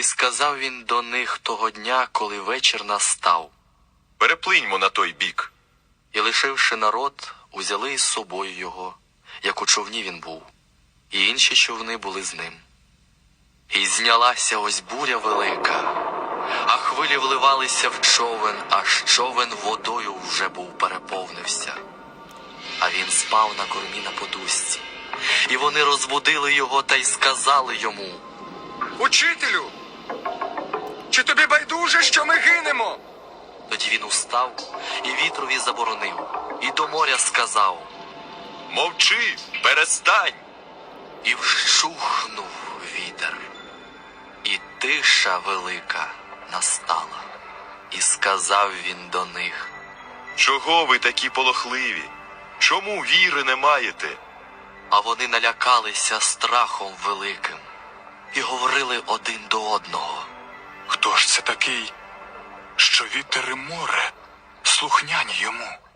І сказав він до них того дня, коли вечір настав: переплиньмо на той бік. І, лишивши народ, узяли із собою його, як у човні він був, і інші човни були з ним. І знялася ось буря велика, а хвилі вливалися в човен, аж човен водою вже був переповнився. А він спав на кормі на подушці. І вони розбудили його та й сказали йому: Учителю, чи тобі байдуже, що ми гинемо? Тоді він устав і вітрові заборонив, і до моря сказав: Мовчи, перестань. І вщухнув вітер, і тиша велика настала. І сказав він до них: Чого ви такі полохливі? Чому віри не маєте? А вони налякалися страхом великим і говорили один до одного: Хто ж це такий, що вітер і море слухняні йому?